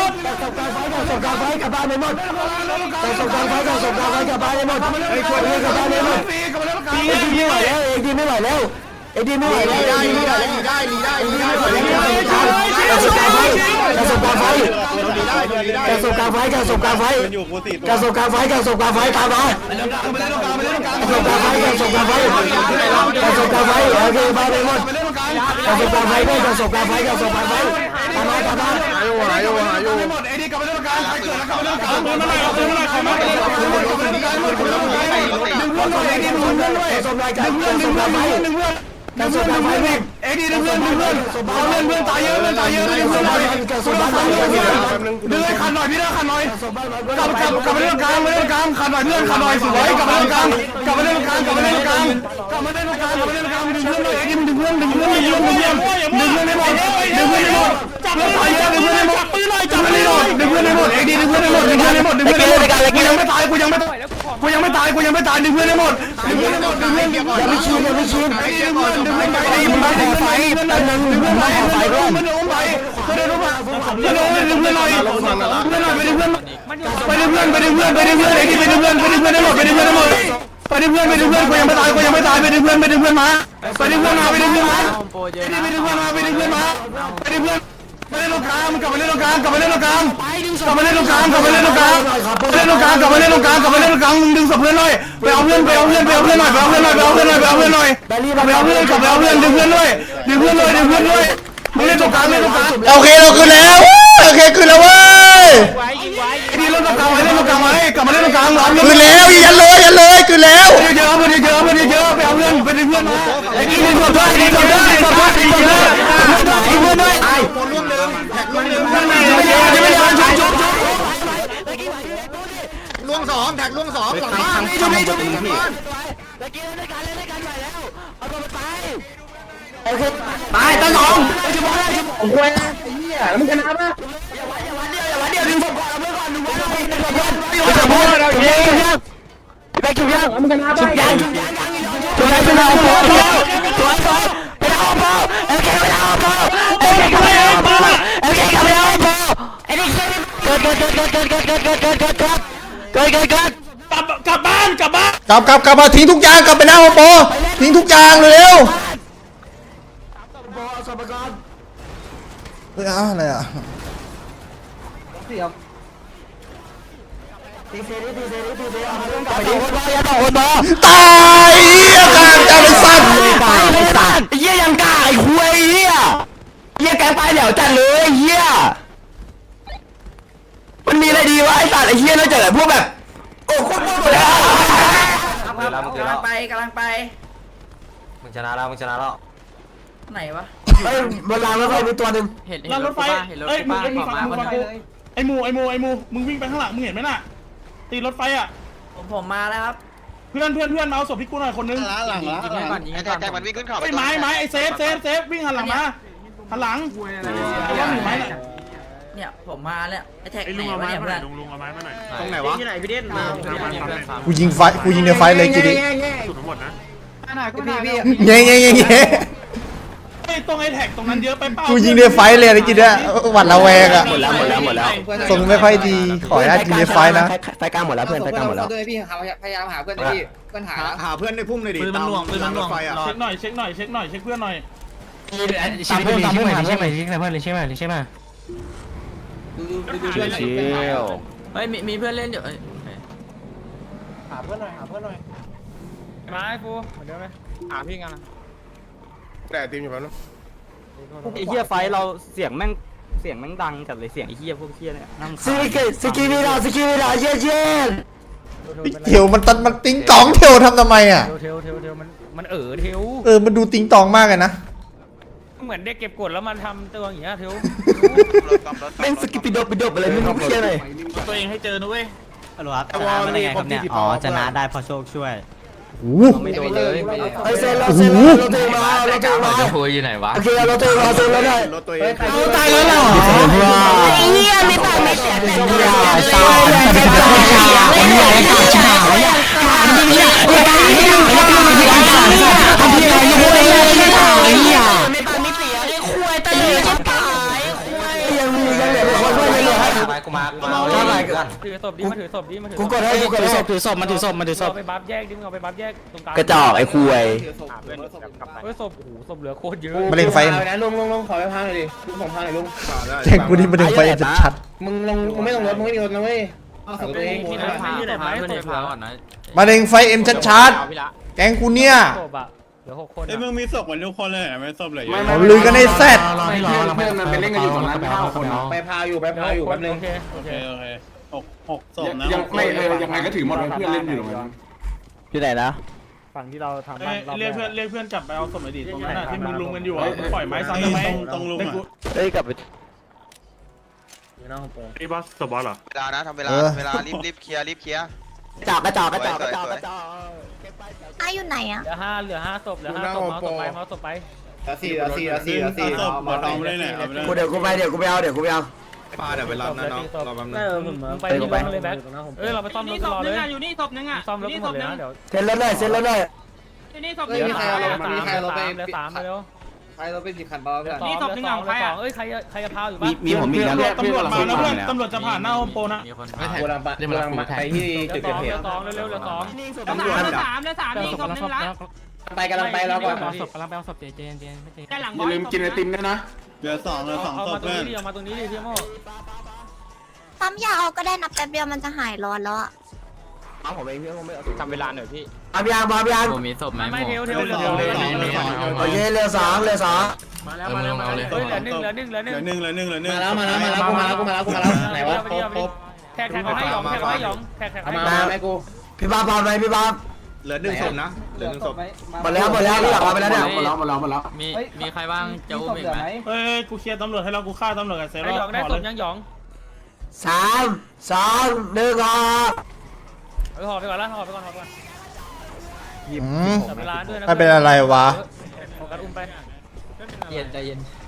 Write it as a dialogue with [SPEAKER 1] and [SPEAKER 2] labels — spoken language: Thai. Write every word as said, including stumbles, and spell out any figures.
[SPEAKER 1] ส่งกลางไฟกลับบ้านไปหมดส่งกลางไฟส่งกลางไฟกลับบ้านไปหมดไอ้ช่วยเพื่อนกลับบ้านไปหมดเอ็ดีไม่ไหวแล้วเอ็ดีไม่ไหวแล้วเอ็ดีไม่ไหวแล้ว
[SPEAKER 2] ได้ลีได้ลีได้ลีได้ลีได้ลีได้ลีได้
[SPEAKER 1] กระสุนกลางไฟกระสุนกลางไฟ
[SPEAKER 2] ลีได้ลีได้
[SPEAKER 1] กระสุนกลางไฟกระสุนกลางไฟกระสุนกลางไฟกระสุนกลางไฟตามมากระสุนกลางไฟกระสุนกลางไฟกระสุนกลางไฟโอเคบ้านไปหมดกระสุนกลางไฟด้วยกระสุนกลางไฟกระสุนกลางไฟตามมาตามมา
[SPEAKER 3] หายอยู่หายอยู่หายอยู่
[SPEAKER 4] หมดไอ้นี่กลับมาเล่นกลางใครเกิดแล้วกลับมาเล่นกลางเดินมาเลยเดินมาเลยใครมาเดินมาเลยดึงเพื่อนด้วยไอ้นี่ดึงเพื่อนด้วย
[SPEAKER 1] กระสุนกลางไฟกระสุนกลางไฟ
[SPEAKER 4] ดึงเพื่อน
[SPEAKER 1] กระสุนกลางไฟวิ่ง
[SPEAKER 4] ไอ้นี่ดึงเพื่อนดึงเพื่อนเอาเพื่อนเพื่อนตายเยอะเพื่อนตายเยอะดึงเพื่อนหน่อย
[SPEAKER 1] กระสุนบ้านไหนกระสุนบ้านไหน
[SPEAKER 4] ดึงให้ขันหน่อยพี่นะขันหน่อยกลับกลับกลับมาเล่นกลางมาเล่นกลางขันหน่อยเพื่อนขันหน่อยสวยกลับมาเล่นกลางกลับมาเล่นกลางกลับมาเล่นกลางกลับมาเล่นกลางกลับมาเล่นกลางดึงเพื่อนหน่อยไอ้นี่ดึงเพื่อนดึงเพื่อนดึงเพื่อนดึงเพื่อนดึงเพื่อนให้หมดดึงเพื่อนให้หมดจับเพื่อนตายเยอะดึงเพื่อนให้หมดปืนหน่อยจับเพื่อนให้หมดดึงเพื่อนให้หมดไอ้นี่ดึงเพื่อนให้หมดดึงเพื่อนให้หมดดึงเพื่อนให้หมดกูยังไม่ตายกูยังไม่ตายกูยังไม่ตายกูยังไม่ตายดึงเพื่อนให้หมดดึงเพื่อนให้หมดดึงเพื่อนอย่าไปชินอย่าไปชินไอ้ดึงเพื่อนดึงเพื่อนไปไอ้มึงมาขอไฟแต่นึงดึงเพื่อนไปขอไฟด้วยมันโน้มไปมันโน้มไปมันโน้มไปดึงเพื่อนหน่อยเพื่อนหน่อยไปดึงเพื่อนไปดึงเพื่อนไปดึงเพื่อนไปดึงเพื่อนไอ้นี่ไปดึงเพื่อนไปดึงเพื่อนให้หมดไปดึงเพื่อนให้หมดไปดึงเพื่อนไปดึงเพื่อนกูยังไม่ตายกูยังไม่ตายไปดึงเพื่อนไปดึงเพื่อนมาไปดึงเพื่อนมาไปดึงเพื่อนมาไอ้นี่ไปดึงเพื่อนมาไปดึงเพื่อนมาไปดึงเพื่อนมาเล่นตรงกลางกลับมาเล่นตรงกลางกลับมาเล่นตรงกลางกลับมาเล่นตรงกลางกลับมาเล่นตรงกลางเล่นตรงกลางกลับมาเล่นตรงกลางกลับมาเล่นตรงกลางมึงดึงศพเพื่อนหน่อยไปเอาเพื่อนไปเอาเพื่อนไปเอาเพื่อนหน่อยไปเอาเพื่อนหน่อยไปเอาเพื่อนหน่อยไปเอาเพื่อนหน่อย
[SPEAKER 1] แบรี่
[SPEAKER 4] กลับไปเอาเพื่อนกลับไปเอาเพื่อนดึงเพื่อนด้วยดึงเพื่อนด้วยดึงเพื่อนด้วยมึงเล่นตรงกลางเล่นตรงกลาง
[SPEAKER 3] โอเคเราขึ้นแล้วโอเคขึ้นแล้วเว้ย
[SPEAKER 4] ไอ้นี่เล่นตรงกลางไว้เล่นตรงกลางไว้กลับมาเล่นตรงกลางหลอม
[SPEAKER 3] ขึ้นแล้วยันเลยยันเลยขึ้นแล้ว
[SPEAKER 4] เยอะๆเพื่อนเยอะๆเพื่อนเยอะๆไปเอาเพื่อนไปดึงเพื่อนมาไอ้นี่ดึงศพด้วยดึงศพด้วยดึงศพด้วยดึงศพด้วยดึงเพื่อนด้วยไอ้
[SPEAKER 2] คนร่วมเดิมแท็กร่วมเดิม
[SPEAKER 4] เพื่อนไม่ได้ไม่ได้ชุบชุบชุบ
[SPEAKER 2] ร่วงสองแท็กร่วงสองหลังบ้าน
[SPEAKER 1] จุดนี้จุดนี้พี่ตะกี้เล่นกันเล่นกันใหญ่แล้วเอาตัวไปโอเคตายตายสองจุดบอลได้จุดผมควรไอ้เหี้ยมึงชนะปะอย่าวันอย่าวันเดียวอย่าวันเดียวดึงศพก่อนเอาเพื่อนก่อนดึงไว้หน่อย
[SPEAKER 4] ชนะ
[SPEAKER 1] ชุบยังชุบยังชุบยังเป็นเอาโป๊ะสวยสวยเป็นเอาโป๊ะเอลเคเป็นเอาโป๊ะเอลเคกับเป็นเอาโป๊ะเอลเคกับเป็นเอาโป๊ะไอ้นี่เกิดเกิดเกิดเกิดเกิดเกิดเกิดเกิดเกิดเกิดเกิดเกิดเกิดเกิดเกิด
[SPEAKER 4] กลับกลับบ้านกลับบ้าน
[SPEAKER 3] กลับกลับกลับมาทิ้งทุกอย่างกลับไปหน้าโอโปทิ้งทุกอย่างเร็วๆเฮ้ยอ้าวอะไรอ่ะ
[SPEAKER 1] ตีเซรีตีเซรีตีเซรีเอาเรื่องกลับไปดิคนบอลอย่าต่อคนบอล
[SPEAKER 3] ตายเหี้ยกลางจะเป็นสัตว์
[SPEAKER 1] ตายไม่สัตว์ไอ้เหี้ยยังกล้าไอ้คุยไอ้เหี้ยเหี้ยแกไปเหลียวจัดเลยไอ้เหี้ยมันมีอะไรดีวะไอ้สัตว์ไอ้เหี้ยนอกจากแบบพวกแบบโอ้โคตรโง่เลย
[SPEAKER 5] กำลังไปกำลังไป
[SPEAKER 1] มึงชนะแล้วมึงชนะแล้ว
[SPEAKER 5] ไหนวะ
[SPEAKER 1] เฮ้ยบนรางรถไฟมีตัวหนึ่ง
[SPEAKER 6] เห็น
[SPEAKER 4] รางรถไฟเอ้ยมึงมึงฟังมึงฟังกูไอ้หมูไอ้หมูไอ้หมูมึงวิ่งไปข้างหลังมึงเห็นไหมน่ะตีรถไฟอ่ะ
[SPEAKER 5] ผมผมมาแล้วครับ
[SPEAKER 4] เพื่อนเพื่อนเพื่อนมาเอาศพพี่กูหน่อยคนนึง
[SPEAKER 2] หลังหลัง
[SPEAKER 6] ยิงให้ก่อนยิง
[SPEAKER 7] ไอ้
[SPEAKER 6] ให้
[SPEAKER 7] แท็
[SPEAKER 6] ก่อก น
[SPEAKER 7] แท็กมันวิ่งขึ้นเขา
[SPEAKER 4] ไอ้ไม้ไม้ไอ้เซฟเซฟเซฟวิ่งหันหลังมาหันหลังไอ้ว่าหนีไม้น่ะ
[SPEAKER 5] เนี่ยผมมาแล้วไอ้แท็กไหนวะเนี่ยเพื่อน
[SPEAKER 2] ตรงไหนวะ
[SPEAKER 3] กูยิงไฟกูยิงในไฟเลยจีดี
[SPEAKER 8] พี่พี่
[SPEAKER 3] เงี้ยเงี้ยเงี้ยเงี้ย
[SPEAKER 4] ไอ้ตรงไอ้แท็กตรงนั้นเยอะไปเปล่า
[SPEAKER 3] กูยิงในไฟเลยอะไรจีดีอะหวัดระแวงอะ
[SPEAKER 1] หมดแล้วหมดแล้วหมดแล้ว
[SPEAKER 3] ทรงไม่ค่อยดีขออนุญาตยิงในไฟนะ
[SPEAKER 1] ไฟกลางหมดแล้วเพื่อนไฟกลางหมดแล้ว
[SPEAKER 8] ด้วยพี่พยายามหาเพื่อนพี่เพื่อนหา
[SPEAKER 2] หาหาเพื่อนในพุ่มเลยดิตามรางรถไฟอ่ะ
[SPEAKER 4] เช็คหน่อยเช็คหน่อยเช็คหน่อยเช็คเพื่อนหน่อย
[SPEAKER 1] ตามเพื่อนตามเพื่อนใช่ไหมใช่ไหมใช่ไหมใช่ไหม
[SPEAKER 6] เฮ้ยมีมีเพื่อนเล่นอยู่เอ้ย
[SPEAKER 8] หาเพื่อนหน่อยหาเพื่อนหน่อย
[SPEAKER 6] มาไอ้ฟูเหมือนเดิมไหมหาพี่กันนะ
[SPEAKER 3] แต่ทีมอยู่แล้ว
[SPEAKER 9] ไอ้เหี้ยไฟเราเสียงแม่งเสียงแม่งดังจัดเลยเสียงไอ้เหี้ยพวกเหี้ยเนี่ยนั่ง
[SPEAKER 1] สกิสกิวิลาสกิวิลาเย็นเย็น
[SPEAKER 3] เทียวมันตัดมันติ้งตองเทียวทำทำไมอ่ะ
[SPEAKER 6] เทวเทวเทวเทวมันมันเอ๋อเทว
[SPEAKER 3] เออมันดูติ้งตองมากเลยนะ
[SPEAKER 6] เหมือนเด็กเก็บกดแล้วมันทำตัวอย่างเงี้ยเทว
[SPEAKER 1] แม่งสกิปิดบปิดบอะไรไม่รู้เพี้ยเลย
[SPEAKER 4] ตัวเองให้เจอนะเว้ย
[SPEAKER 9] ฮัลโหลครับชนะมาได้ไงครับเนี่ยอ๋อชนะได้เพราะโชคช่วย
[SPEAKER 3] โอ้โห
[SPEAKER 1] ไม่โดนเลยไอ้เซนเราเซนเราเตะมาเราเตะมาจะคุยอยู่ไหนวะโอเคเราเตะมาเซนแล้วได้
[SPEAKER 2] รถตัวเอง
[SPEAKER 1] เอาตายแล้วเหรอไอ้เหี้ยไม่ตายไม่เสียแต่ตัวตายตายเป็นตายเป็นใหญ่ขาดฉากเนี่ยทำที่เนี่ยไม่ตายไม่ตายไม่ตายไม่ตายทำที่ไหนยังไม่ได้ไม่ตายเนี่ยไม่ตายไม่เสียไอ้คุยตายจะตายยังมียังเหลือคนด้วยเลยฮะไปกูมากูมา
[SPEAKER 6] ถือศพดิมาถือศพดิมาถือ
[SPEAKER 1] กูกดให้กูกดให้ศพถือศพมาถือศพมาถือศพ
[SPEAKER 6] เอาไปบัฟแยกดิมึงเอาไปบัฟแยกตรงกลาง
[SPEAKER 1] กระจอกไอ้คุย
[SPEAKER 6] เฮ้ยศพโอ้โหศพเหลือโคตรเยอะ
[SPEAKER 3] มาเล่นไฟ
[SPEAKER 8] นะลุงลุงลุงขอไปพังหน่อยดิลุงส่งพังหน่อยลุง
[SPEAKER 3] แข่งกูนี่มาเล่นไฟจะชัด
[SPEAKER 8] มึงลงมึงไม่ลงรถมึงไม่มีรถนะเว้ยเอาศพตัวเอง
[SPEAKER 6] ที่ไหนพาที่ไหนพาเพื่อนในพาก่อนนะ
[SPEAKER 3] มาเล่นไฟเอ็มชัดๆแกงกูเนี่ย
[SPEAKER 6] ศพอะเหลือหกคน
[SPEAKER 4] ไอ้มึงมีศพกันทุกคนเลยไม่ศพเลย
[SPEAKER 3] เขาลุยกันในแซด
[SPEAKER 8] เพื่อนมันไปเล่นกันอยู่สองล้านเก้าคนไปพาอยู่ไปพาอยู่แป๊บนึง
[SPEAKER 6] โอเคโอเค
[SPEAKER 4] โอเคหกหกศพนะ
[SPEAKER 8] ยังไม่เออยังไงก็ถือหมดเพื่อนเล่นอยู่ตรงนั้น
[SPEAKER 9] ที่ไหนนะ
[SPEAKER 6] ฝั่งที่เราทำ
[SPEAKER 4] เรียกเพื่อนเรียกเพื่อนกลับไปเอาศพไอ้ดิตรงนั้นที่มึงลุมกันอยู่อ่ะปล่อยไม้ซ้ำทำไมตรงลุงอ่ะ
[SPEAKER 9] เอ้ยกลับไป
[SPEAKER 4] ไอ้บอสศพบอสเหรอ
[SPEAKER 7] เวลานะทำเวลาเวลารีบรีบเคลียร์รีบเคลียร์
[SPEAKER 1] จอกกระจอกกระจอกกระจอกกระจอก
[SPEAKER 10] อาอยู่ไหนอะ
[SPEAKER 6] เหลือห้าเหลือห้าศพเหลือห้าศพเมาส์ศพไปเมาส์ศพไป
[SPEAKER 8] สี่สี่สี่สี่
[SPEAKER 4] ศพมาทำได้ไหนเอาไปเลย
[SPEAKER 1] กูเดี๋ยวกูไปเดี๋ยวกูไปเอาเดี๋ยวกูไปเอา
[SPEAKER 2] ปลาเดี๋ยวไปรับนะน้องรอแป๊บนึง
[SPEAKER 6] เออมึงไปที่รถเลยแบ็คเออเราไปซ่อมรถรอเลยอยู่นี่ศพนึงอ่ะซ่อมรถหมดเลยนะเดี๋ยว
[SPEAKER 1] เซ็นรถเลยเซ็นรถเลย
[SPEAKER 6] อยู่นี่ศพนึงเหลือสามเหลือสามเหลือสามเร็ว
[SPEAKER 8] ใครเราเป็นสิบคันบอลเพื่อน
[SPEAKER 6] นี่ศพนึงของใครอ่ะเอ้ยใครใครจะพาอยู่บ้าง
[SPEAKER 4] มีผมมีนะตำรวจมาแล้วเพื่อนตำรวจจะผ่านหน้าโฮมโปรนะ
[SPEAKER 8] กูรังกูรังไปที่
[SPEAKER 6] เหลื
[SPEAKER 8] จุ
[SPEAKER 6] อ
[SPEAKER 8] ด
[SPEAKER 6] ส
[SPEAKER 8] เกิ
[SPEAKER 6] อ
[SPEAKER 8] ด
[SPEAKER 6] ง
[SPEAKER 8] เห
[SPEAKER 6] เหลื
[SPEAKER 8] ตุ
[SPEAKER 6] อสองเร็วๆเหลือสอง
[SPEAKER 2] ตำรวจ
[SPEAKER 6] เหลือสามเหลือสามนี่ศพนึงละ
[SPEAKER 8] ไปกำลังไปแล้วก่อน
[SPEAKER 6] ศพกำลังไปเอาศพเจเจนเจนไม่เจน
[SPEAKER 8] อย่าลืมกินไอติมด้วยนะ
[SPEAKER 4] เหลือสองเหลือสอง
[SPEAKER 6] เอา
[SPEAKER 4] ศ
[SPEAKER 6] มา
[SPEAKER 4] พ
[SPEAKER 6] ตรง
[SPEAKER 4] เพื่อน
[SPEAKER 6] นี้ดิเอามาตรงนี้ดิพี่โม
[SPEAKER 10] ปั๊มยาเอาก็ได้นับแป๊บเดียวมันจะหายร้อนแล้วอะ
[SPEAKER 1] เอาผมเองพี่ผมไม่เอา
[SPEAKER 6] จำเวลาหน่อยพี่
[SPEAKER 1] เอายางบอลยาง
[SPEAKER 6] ผมมีศพไหมไม่เทวเทวเหลือเทวเหลือ
[SPEAKER 1] โอเคเรือสองเรือสอง
[SPEAKER 6] มาแล้วมาแล้วมาแล้วเฮ้ยเหลือหนึ่งเหลือหนึ่งเหลือห
[SPEAKER 4] เห
[SPEAKER 6] นึ่ง
[SPEAKER 4] ลือหนึ่งเหลือหนึ่งเหลือหนึ่ง
[SPEAKER 8] มาแล้วมาแล้วมาแล้วกูมาแล้วกูมาแล้วกูมาแล้วไหนวะ
[SPEAKER 6] แท็กแท็กให้หยองแท็กให้หยองแท็กแท็กให้
[SPEAKER 8] มาไหมกู
[SPEAKER 1] พี่บ้าบอลไปพี่บ้า
[SPEAKER 2] เหลือหนึ่งศพนะเหลือหนึ่งศพ
[SPEAKER 1] หมดแล้วหมดแล้วพี่อยากมาไปแล้วเนี่ย
[SPEAKER 8] หมดแล้วหมดแล้วหมดแล้ว
[SPEAKER 6] มีมีใครบ้างจะอุ้มอีกไหม
[SPEAKER 4] เฮ้ยกูเคลียร์ตำรวจให้เรากูฆ่าตำรวจกับเซฟ
[SPEAKER 6] ไอ้หยองได้
[SPEAKER 4] ห่อ
[SPEAKER 6] ศ
[SPEAKER 4] เล
[SPEAKER 6] พ
[SPEAKER 4] ย
[SPEAKER 6] ยังหยอง
[SPEAKER 1] สามสองหนึ่งอ่ะ
[SPEAKER 6] เออห่อไปก่อนละห่อไปก่อนห่อไปก่อน
[SPEAKER 3] อืม
[SPEAKER 6] จับเวลาด้วยนะ
[SPEAKER 3] ไม่เป็นอะไรวะ
[SPEAKER 6] โฟกัสอุ้มไป
[SPEAKER 5] เย็นใจเย็น